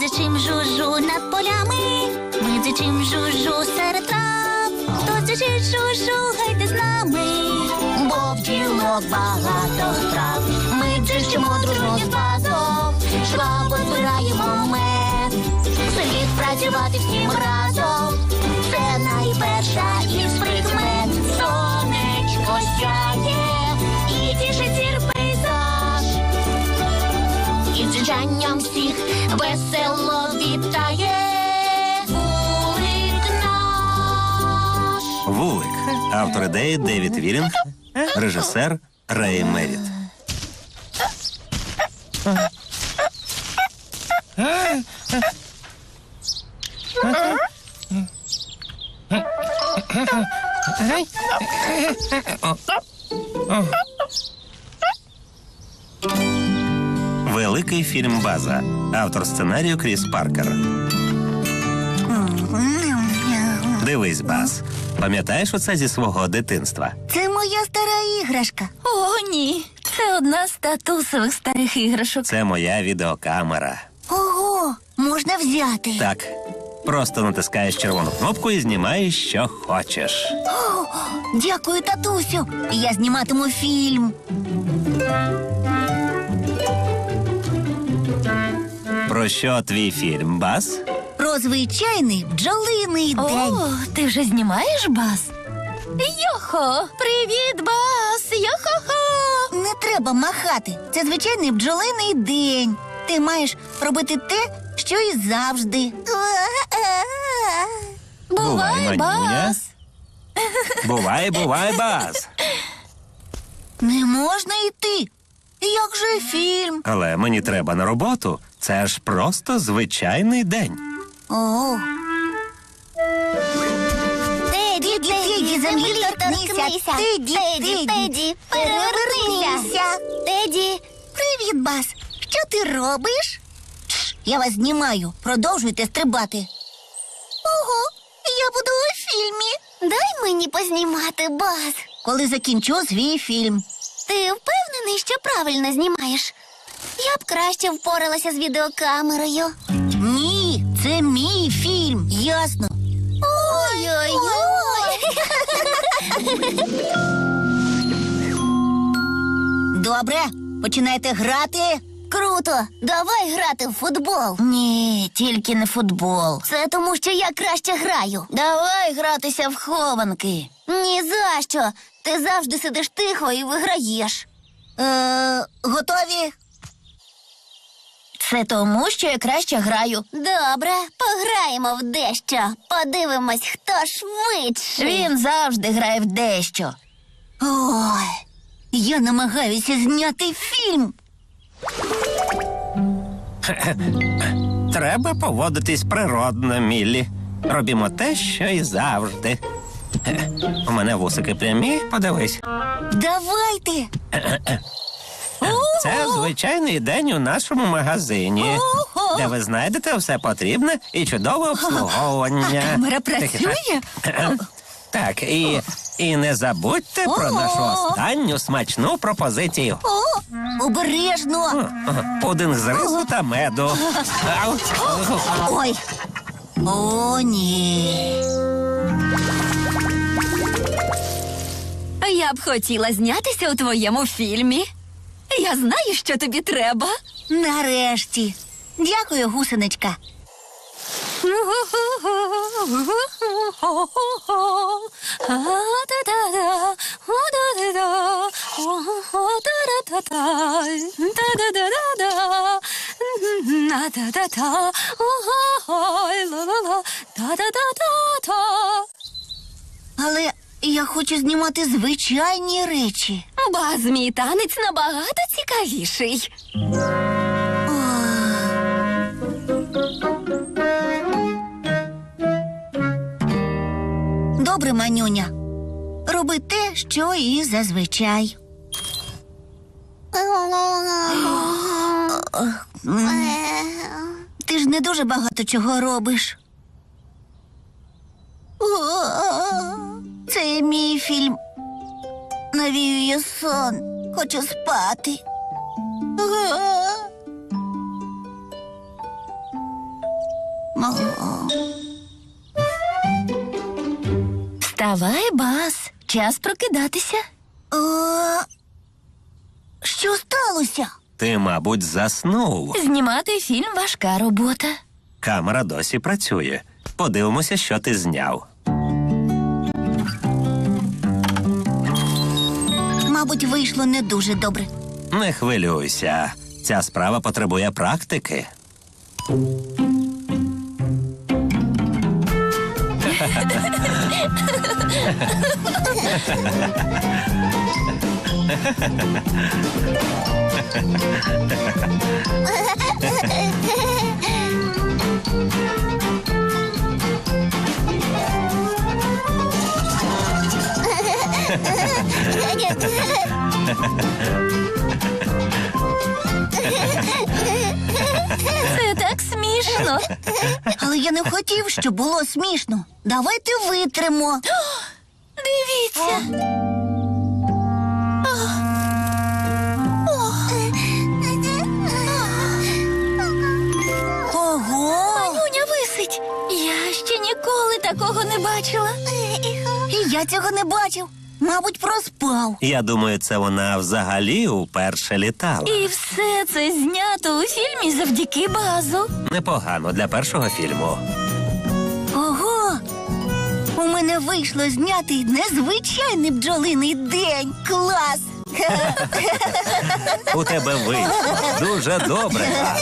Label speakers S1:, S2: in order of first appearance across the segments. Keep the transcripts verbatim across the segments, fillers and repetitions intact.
S1: дзичим жужу над полями, ми дзичим жужу серед трав. Хто дзичить жужу, гайте з нами, бо в ділок багато справ. Ми дзичимо дружно з басом, швабо збираємо мед. Слід працювати всім разом, це найперша із прикмет. Сонечко сяє і тішить зір пейзаж, і дзижанням всіх весело вітає вулик наш.
S2: Вулик. Автор ідеї Девід Вілінг, режисер Рей Меріт. Великий фільм «База». Автор сценарію Кріс Паркер. Дивись, Баз. Пам'ятаєш оце зі свого дитинства?
S1: Це моя стара іграшка.
S3: О, ні. Це одна з татусових старих іграшок.
S2: Це моя відеокамера.
S1: Ого, можна взяти.
S2: Так, просто натискаєш червону кнопку і знімаєш, що хочеш.
S1: О, дякую, татусю. Я зніматиму фільм.
S2: Про що твій фільм, Баз?
S1: Про звичайний бджолиний день.
S3: О, ти вже знімаєш, Бас? Йохо! Привіт, Бас! Йохо-хо!
S1: Не треба махати. Це звичайний бджолиний день. Ти маєш робити те, що і завжди.
S3: Бувай,
S2: Манюня.
S3: Бас!
S2: Бувай, бувай, Баз.
S1: Не можна йти. Як же фільм?
S2: Але мені треба на роботу. Це ж просто звичайний день.
S1: О. Теді, Теді, землі торкнися. Теді, Теді, перевернися. Теді. Привіт, Бас. Що ти робиш? Тш, я вас знімаю. Продовжуйте стрибати. Ого, я буду у фільмі. Дай мені познімати, Бас. Коли закінчу свій фільм. Ти впевнений, що правильно знімаєш? Я б краще впоралася з відеокамерою. Ні, це мій фільм, ясно. Ой-ой-ой. Добре, починайте грати. Круто, давай грати в футбол. Ні, тільки не футбол. Це тому, що я краще граю. Давай гратися в хованки. Ні за що. Ти завжди сидиш тихо і виграєш. Е, готові? Це тому, що я краще граю. Добре, пограємо в дещо. Подивимось, хто швидше. Він завжди грає в дещо. Ой, я намагаюся зняти фільм.
S2: Треба поводитись природно, Міллі. Робімо те, що і завжди. У мене вусики прямі, подивись.
S1: Давайте.
S2: Це звичайний день у нашому магазині, де ви знайдете все потрібне і чудове обслуговування.
S3: А камера працює?
S2: Так, і, і не забудьте про нашу останню смачну пропозицію.
S1: О, обережно.
S2: Пудинг з рису та меду. Ау.
S1: Ой. О, ні.
S3: Я б хотіла знятися у твоєму фільмі. Я знаю, що тобі треба.
S1: Нарешті. Дякую, гусеничка. Але я хочу знімати звичайні речі.
S3: Баз, мій танець набагато цікавіший.
S1: Добре, Манюня. Роби те, що і зазвичай. Ти ж не дуже багато чого робиш. Це мій фільм. Навіює сон. Хочу спати.
S3: Вставай, Баз. Час прокидатися.
S1: Е, Що сталося?
S2: Ти, мабуть, заснув.
S3: Знімати фільм – важка робота.
S2: Камера досі працює. Подивимося, що ти зняв.
S1: Мабуть, вийшло не дуже добре.
S2: Не хвилюйся. Ця справа потребує практики.
S3: Це так смішно.
S1: Але я не хотів, щоб було смішно. Давайте витримо.
S3: Дивіться.
S1: Ого!
S3: Нюня висить. Я ще ніколи такого не бачила.
S1: І я цього не бачив. Мабуть, проспав.
S2: Я думаю, це вона взагалі уперше літала.
S3: І все це знято у фільмі завдяки Базу.
S2: Непогано для першого фільму.
S1: Ого! У мене вийшло зняти незвичайний бджолиний день. Клас!
S2: У тебе вийшло. Дуже добре, Баз.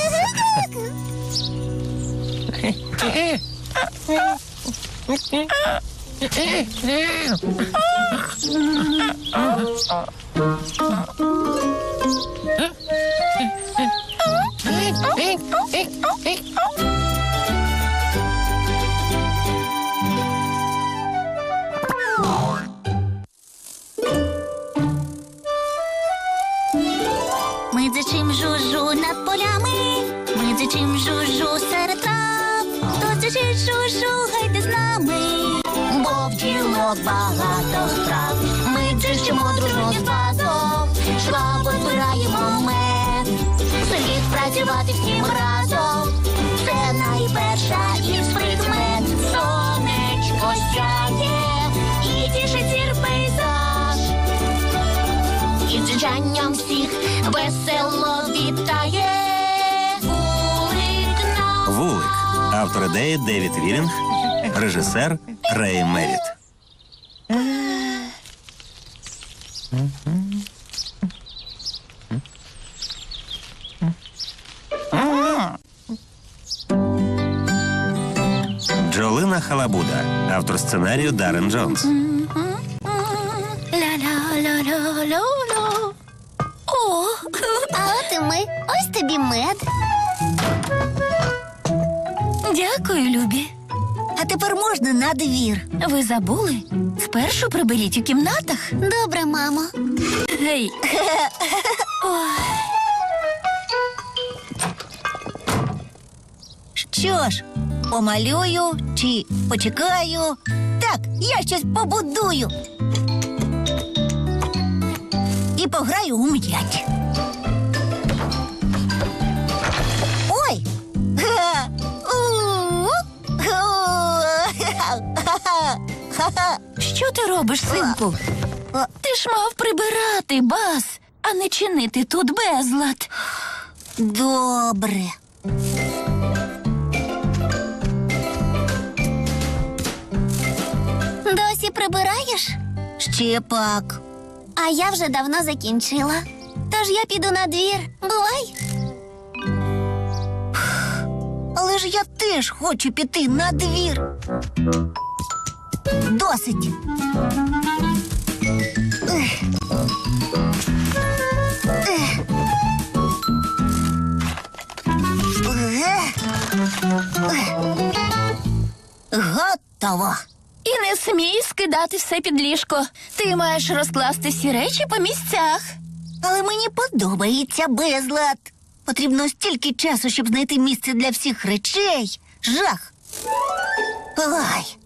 S1: Ми дзичим жужу над полями, ми дзичим жужу серед трав. Хто дзичить жужу, гайте з нами, бо в ділок багато справ. Ми дзичимо дружно з базом, швабо збираємо мед. Слід працювати всім разом, це найперша із прикмет. Сонечко сяє і тішить зір пейзаж. І дзижанням всіх весело вітає вулик нам.
S2: Вулик. Автор ідеї Девід Вілінг. Режисер Рей Меріт. Бджолина Халабуда. Автор сценарію Даррен Джонс.
S3: Ля-ля-ля-ля-ля-ля. О,
S1: А от і ми. Ось тобі мед.
S3: дякую, любі.
S1: А тепер можна на двір.
S3: Ви забули? Спершу приберіть у кімнатах.
S1: Добре, мамо.
S3: Гей. Ой.
S1: Що ж, помалюю чи почекаю? Так, я щось побудую. І пограю у м'яч. Ой! Ха! У! Ха-ха!
S3: Що ти робиш, синку? Ти ж мав прибирати, Баз, а не чинити тут безлад.
S1: Добре. Досі прибираєш? Ще пак. А я вже давно закінчила. Тож я піду на двір. Бувай. Але ж я теж хочу піти на двір. Досить. Ех. Ех. Готово.
S3: І не смій скидати все під ліжко. Ти маєш розкласти всі речі по місцях.
S1: Але мені подобається безлад. Потрібно стільки часу, щоб знайти місце для всіх речей. Жах. Ай.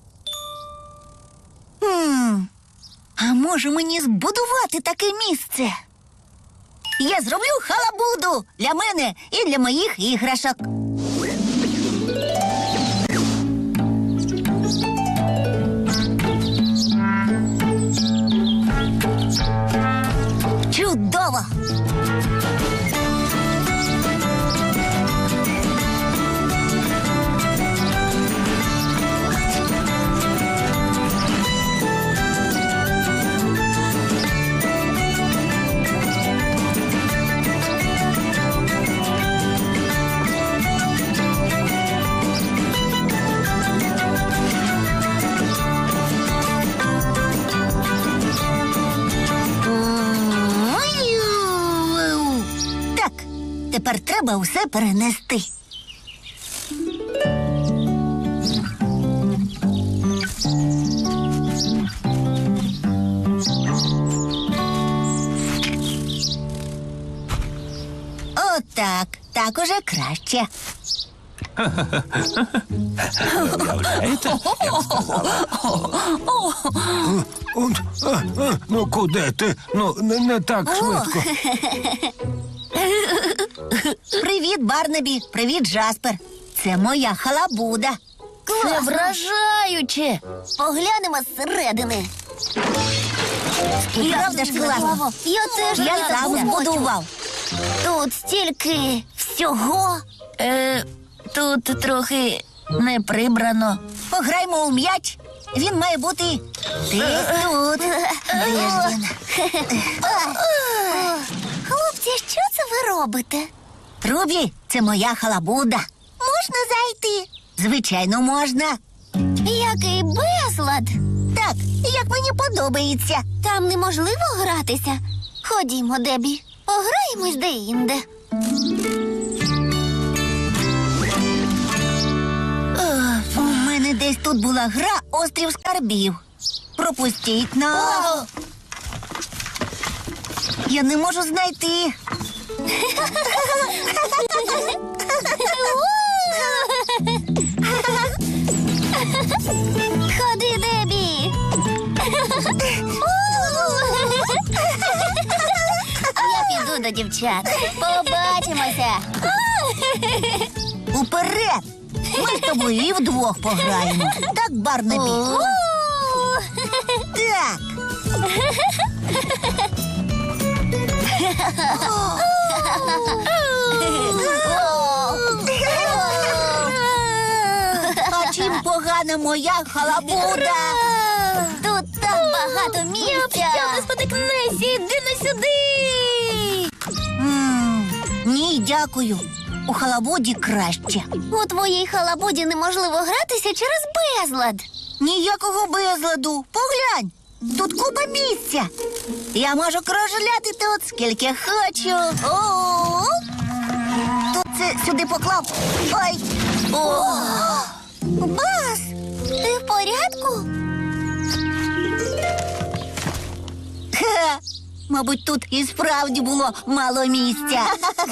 S1: Хм. А може мені збудувати таке місце? Я зроблю халабуду для мене і для моїх іграшок. Чудово! Так, тепер треба усе перенести. Отак, так уже краще.
S2: Уявляєте, як сказала?
S4: Он, а, а, ну куди ти? Ну, не, не так швидко.
S1: Привіт, Барнабі. Привіт, Джаспер. Це моя халабуда.
S3: Це вражаюче.
S1: Поглянемо зсередини. Правда ж класно?
S3: Я теж
S1: Я
S3: так
S1: сам
S3: хочу.
S1: збудував. Тут стільки всього.
S3: Е, тут трохи не прибрано.
S1: Пограймо у м'яч. Він має бути десь тут. Де ж він? Хлопці, що це ви робите? Рубі, це моя халабуда. Можна зайти? Звичайно, можна. Який безлад. Так, як мені подобається. Там неможливо гратися. Ходімо, Дебі, пограємось де-інде. У мене десь тут була гра «Острів скарбів». Пропустіть нас. Я не можу знайти. Ходи, Дебі. Я піду до дівчат. Побачимося. Уперед! Ми з тобою і вдвох пограємо. Так, Барнабі? Так. А чим погана моя халабуда? Тут так багато місця.
S3: Якщо не спотикнешся, іди не сюди.
S1: М, Ні, дякую. У халабуді краще. У твоїй халабуді неможливо гратися через безлад. Ніякого безладу. Поглянь. Тут купа місця. Я можу кружляти тут скільки хочу. О! Тут це сюди поклав. Ой. О! Бас, ти в порядку? Ха, мабуть, тут і справді було мало місця.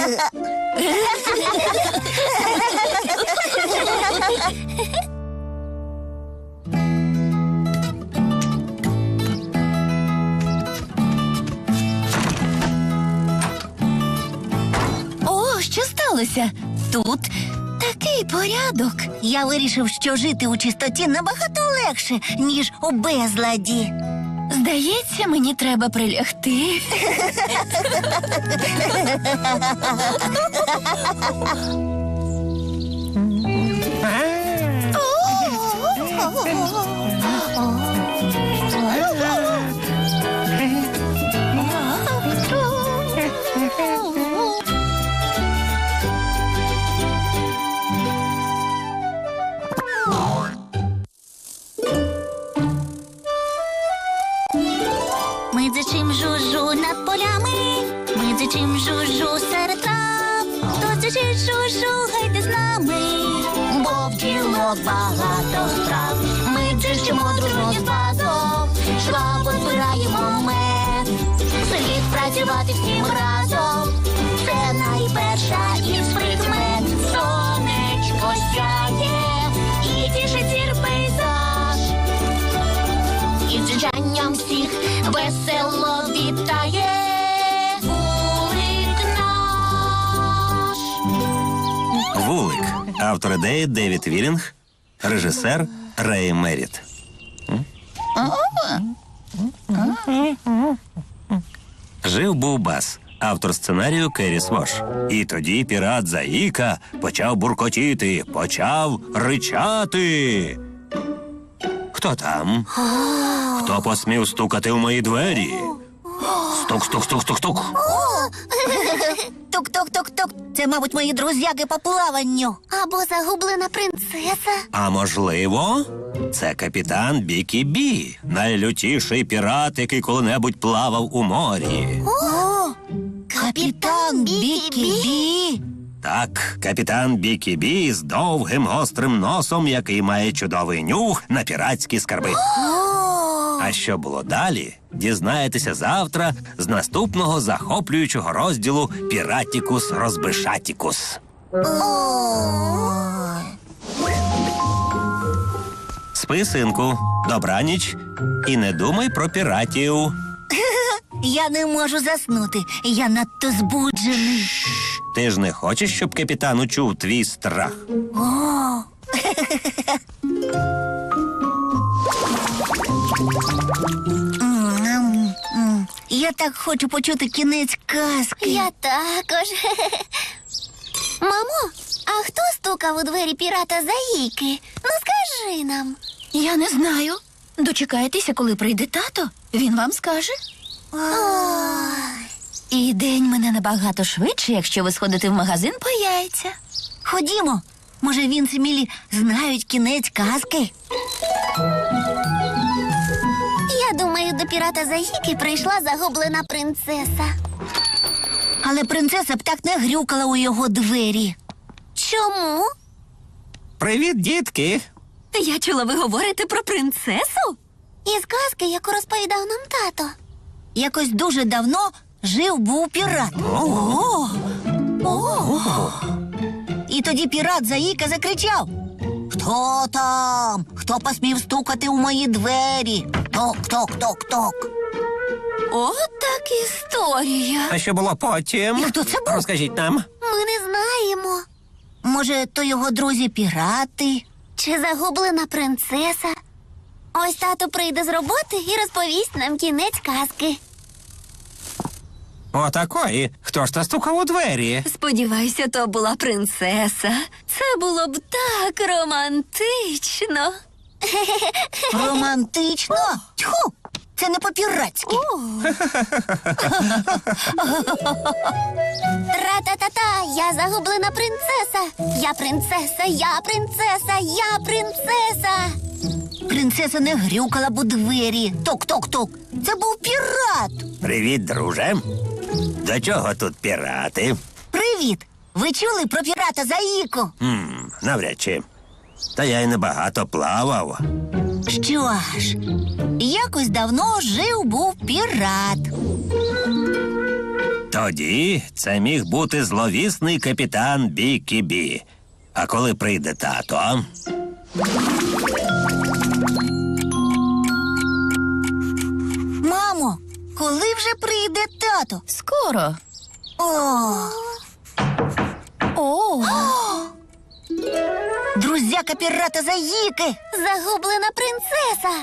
S3: О, що сталося? Тут такий порядок.
S1: Я вирішив, що жити у чистоті набагато легше, ніж у безладі.
S3: Здається, мені треба прилягти.
S1: Ми дзичим жужу над полями, ми дзичим жужу серед трав. Хто дзичить жужу, гайте з нами, бо в ділок багато страв. Ми дзичимо дружно з басом, швабо збираємо мед. Слід працювати всім разом, це найперша із прикмет. Сонечко сяє і тішить зір пейзаж. І дзижанням всіх весело вітає вулик наш.
S2: Вулик. Автор ідеї Девід Вілінг, режисер Рей Меріт. Жив був бас. Автор сценарію Керрі Свош. І тоді пірат Заїка почав буркотіти, почав ричати. Хто там? Хто посмів стукати в мої двері? Стук, стук, стук, стук, стук.
S1: Тук-тук-тук-тук. Це, мабуть, мої друзяки по плаванню. Або загублена принцеса.
S2: А можливо, це капітан Бікі Бі, найлютіший пірат, який коли-небудь плавав у морі.
S1: О, капітан Бікі-Бі.
S2: Так, капітан Бікі Бі з довгим гострим носом, який має чудовий нюх на піратські скарби. А що було далі, дізнаєтеся завтра з наступного захоплюючого розділу «Піратікус Розбишатікус». Спи, синку, добраніч і не думай про піратів.
S1: Я не можу заснути. Я надто збуджений.
S2: Ти ж не хочеш, щоб капітан учув твій страх?
S1: О. М, м. Я так хочу почути кінець казки.
S5: Я також. Мамо, а хто стукав у двері пірата Заїки? Ну скажи нам.
S3: Я не знаю. Дочекайтеся, коли прийде тато. Він вам скаже. І день мене набагато швидше, якщо ви сходите в магазин по яйця.
S1: Ходімо. Може, він і Мілі знають кінець казки?
S5: Я думаю, до пірата Заїки прийшла загублена принцеса.
S1: Але принцеса б так не грюкала у його двері.
S5: Чому?
S2: Привіт, дітки!
S3: Я чула, ви говорите про принцесу?
S5: Із казки, яку розповідав нам тато.
S1: Якось дуже давно жив був пірат. О! О! І тоді пірат Заїка закричав: «Хто там? Хто посмів стукати у мої двері? Ток-ток-ток-ток!»
S3: От так історія.
S2: А що було потім?
S1: І хто це був?
S2: Розкажіть нам.
S5: Ми не знаємо.
S1: Може, то його друзі-пірати?
S5: Чи загублена принцеса? Ось тато прийде з роботи і розповість нам кінець казки.
S2: Отакої. Хто ж та стукав у двері?
S3: Сподіваюся, то була принцеса. Це було б так романтично.
S1: Романтично? Тьху! Це не по-піратськи.
S5: Тра-та-та-та, я загублена принцеса. Я принцеса, я принцеса, я принцеса.
S1: Принцеса не грюкала б у двері. Ток-ток-ток. Це був пірат.
S2: Привіт, друже. До чого тут пірати?
S1: Привіт! Ви чули про пірата Заїку?
S2: Хм, навряд чи. Та я й небагато плавав.
S1: Що ж, якось давно жив був пірат.
S2: Тоді це міг бути зловісний капітан Бікі Бі. А коли прийде тато?
S1: Мамо, коли вже прийде тато?
S3: Скоро.
S1: О,
S3: О,
S1: друзяка пірата Заїки!
S5: Загублена принцеса.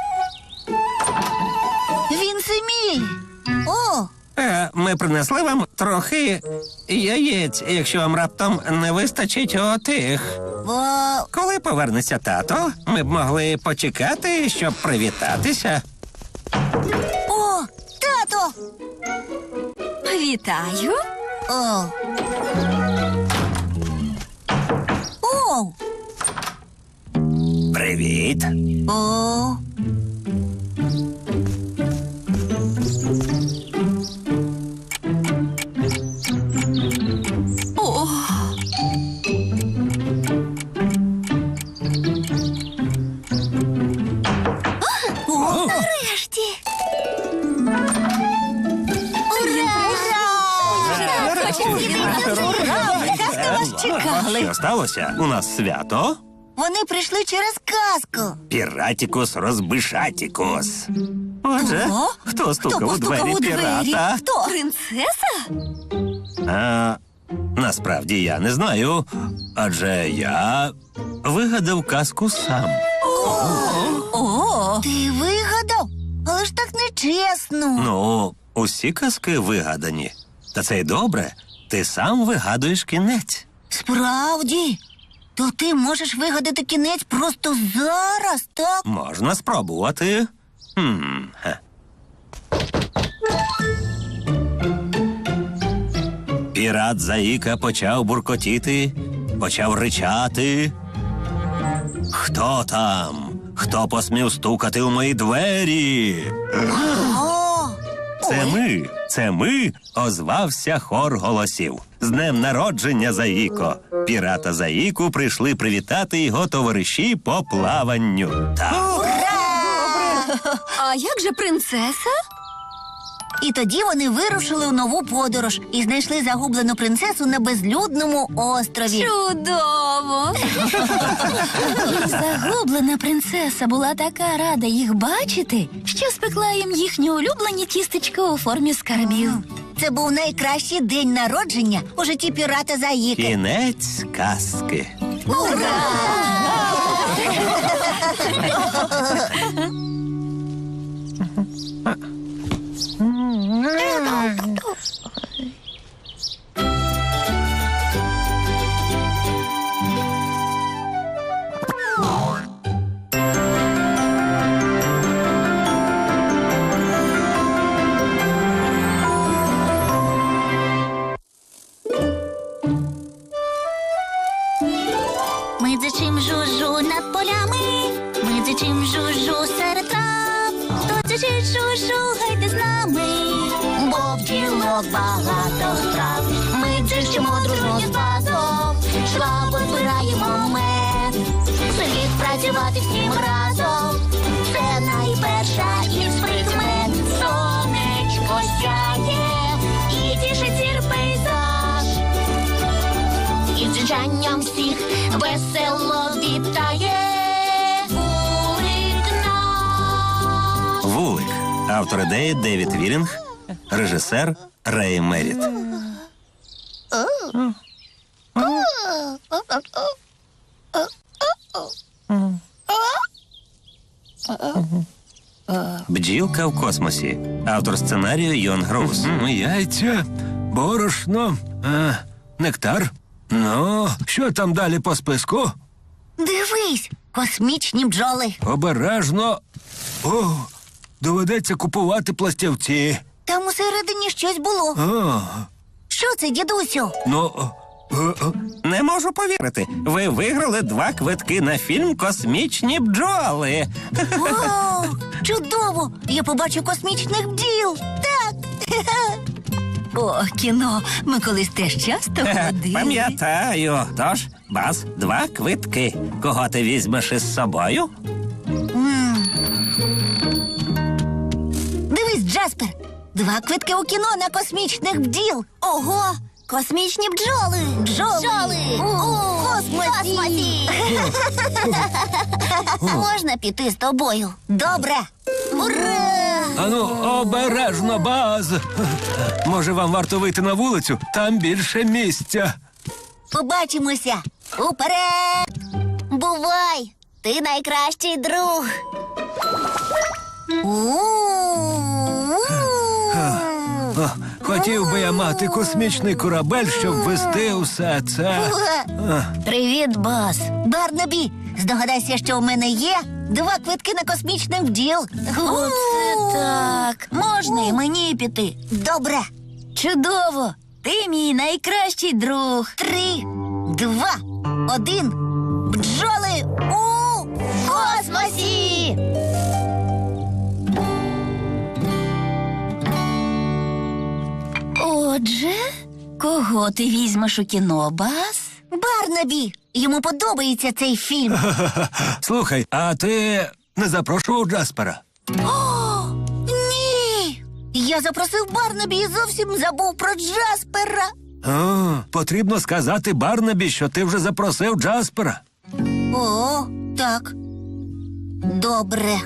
S1: Він Семіль! О,
S2: Е, ми принесли вам трохи яєць, якщо вам раптом не вистачить отих.
S1: бо...
S2: Коли повернеться тато, ми б могли почекати, щоб привітатися.
S1: О, тато!
S3: вітаю.
S1: О. О,
S2: Привіт.
S1: о.
S3: О,
S5: Нарешті.
S1: Чекали.
S2: Що сталося? У нас свято?
S1: Вони прийшли через казку.
S2: Піратікус розбишатікус. Отже,
S1: О,
S2: хто стукав
S1: хто
S2: у двері
S1: постукав у двері?
S2: пірата?
S1: Хто?
S3: принцеса?
S2: А, насправді я не знаю, адже я вигадав казку сам.
S3: О,
S1: Ти вигадав? Але ж так нечесно.
S2: Ну, усі казки вигадані. Та це й добре. Ти сам вигадуєш кінець.
S5: Справді? То ти можеш вигадати кінець просто зараз, так?
S2: Можна спробувати. Хм. ге. Пірат Заїка почав буркотіти, почав ричати. Хто там? Хто посмів стукати у мої двері?
S5: О,
S2: Це ми, це ми, озвався хор голосів. З днем народження, Заїко! Пірата Заїку прийшли привітати його товариші по плаванню. Так.
S3: А як же принцеса?
S5: і тоді вони вирушили у нову подорож і знайшли загублену принцесу на безлюдному острові.
S3: Чудово! Загублена принцеса була така рада їх бачити, що спекла їм їхні улюблені тістечка у формі скарбів.
S5: Це був найкращий день народження у житті пірата Заїки.
S2: Кінець казки.
S1: Ми дзичим жужу над полями, ми дзичим жужу серед трав. Хто дзичить жужу, гайте з нами, бо в ділок багато страв. Ми дзичимо дружно з басом, швабо збираємо мед. Слід працювати всім разом, це найперша із прикмет. Сонечко сяє і тішить зір пейзаж. І дзижанням всіх весело вітає вулик наш.
S2: Вулик. Автор ідеї Девід Вілінг, режисер Рей Меріт. Бджілка в космосі. Автор сценарію Йон Гроус.
S4: М, Яйця, борошно, а, нектар. Ну, що там далі по списку?
S5: Дивись, космічні бджоли.
S4: Обережно. О, доведеться купувати пластівці.
S5: Там усередині щось було.
S4: О,
S5: Що це, дідусю?
S4: ну, е, е,
S2: Не можу повірити. Ви виграли два квитки на фільм «Космічні бджоли».
S5: О, чудово! Я побачу космічних бджіл. Так.
S3: О, кіно. Ми колись теж часто ходили.
S2: Пам'ятаю. Тож, Баз, два квитки. Кого ти візьмеш із собою?
S5: Дивись, Джаспер. Два квитки у кіно на космічних бджіл. Ого! Космічні бджоли! Бджоли! Бджоли! У космосі! Можна піти з тобою? Добре! Ура!
S4: ану, обережно, Баз. Може, вам варто вийти на вулицю? Там більше місця.
S5: Побачимося! Уперед! Бувай! Ти найкращий друг! У-у-у!
S4: О, хотів би я мати космічний корабель, щоб вести усе це.
S5: Привіт, Баз. Барнабі, здогадайся, що у мене є два квитки на космічних бджіл.
S3: Оце так. Можна і мені піти.
S5: Добре.
S3: Чудово. Ти мій найкращий друг.
S5: Три, два, один. Бджоли у космосі!
S3: Отже, кого ти візьмеш у кіно, Баз?
S5: Барнабі, йому подобається цей фільм.
S4: Слухай, а ти не запрошував Джаспера?
S5: О, ні! Я запросив Барнабі і зовсім забув про Джаспера.
S4: О, потрібно сказати Барнабі, що ти вже запросив Джаспера.
S5: О, так. Добре.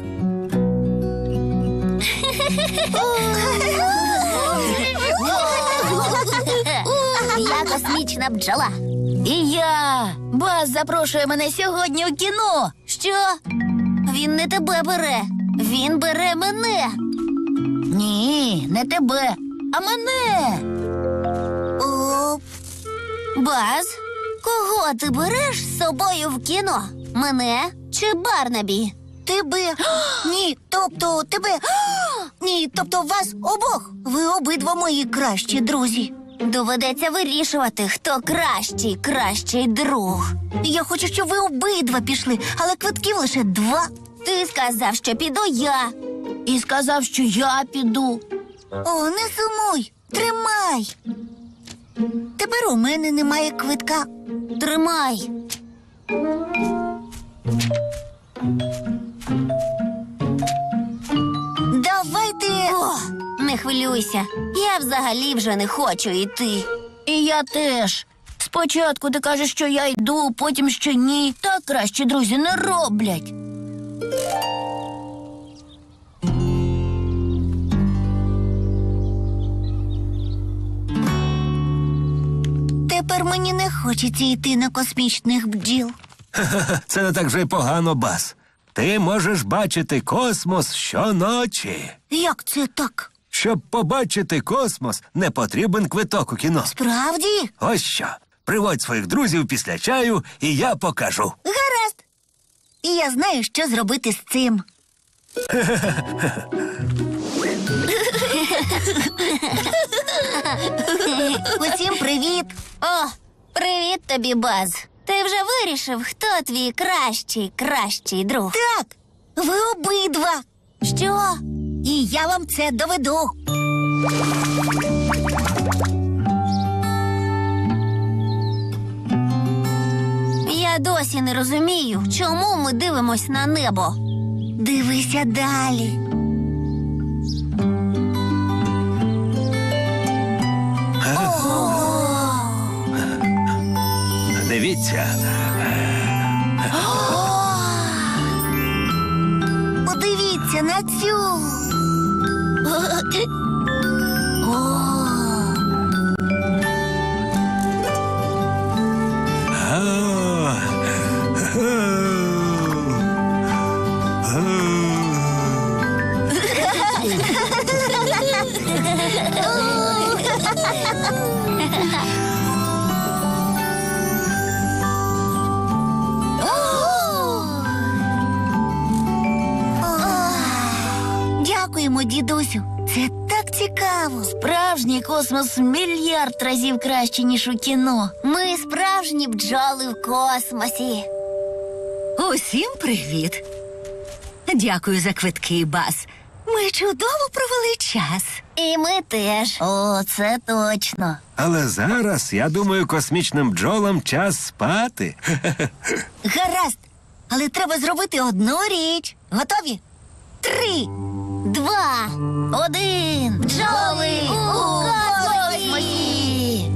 S5: Я космічна бджола.
S3: І я. Баз запрошує мене сьогодні у кіно.
S5: Що? Він не тебе бере. Він бере мене.
S3: Ні, не тебе, а мене.
S5: Баз, кого ти береш з собою в кіно? Мене чи Барнабі? Тебе. Ні, тобто тебе. Ні, тобто вас обох. Ви обидва мої кращі друзі. Доведеться вирішувати, хто кращий, кращий друг. Я хочу, щоб ви обидва пішли, але квитків лише два. Ти сказав, що піду я. І сказав, що я піду. О, не сумуй, тримай. Тепер у мене немає квитка. Тримай. Давайте. О, не хвилюйся. Я взагалі вже не хочу йти.
S3: І я теж. Спочатку ти кажеш, що я йду, потім що ні. Так кращі друзі не роблять.
S5: Тепер мені не хочеться йти на космічних бджіл.
S4: Це не так вже й погано, Баз. Ти можеш бачити космос щоночі.
S5: Як це так?
S4: Щоб побачити космос, не потрібен квиток у кіно.
S5: Справді?
S4: Ось що. Приводь своїх друзів після чаю, і я покажу.
S5: Гаразд. І я знаю, що зробити з цим. Усім привіт. О, привіт тобі, Баз. Ти вже вирішив, хто твій кращий, кращий друг? Так, ви обидва. Що? І я вам це доведу. Я досі не розумію, чому ми дивимось на небо. Дивися далі.
S2: Дивіться.
S5: Подивіться на цю. Дякуємо, дідусю. Це так цікаво.
S3: Справжній космос мільярд разів краще, ніж у кіно.
S5: Ми справжні бджоли в космосі.
S6: Усім привіт. Дякую за квитки, Баз. Ми чудово провели час.
S5: І ми теж.
S3: О, це точно.
S4: Але зараз, я думаю, космічним бджолам час спати.
S5: Гаразд. Але треба зробити одну річ. Готові? Три, два, один. Бджоли у космосі!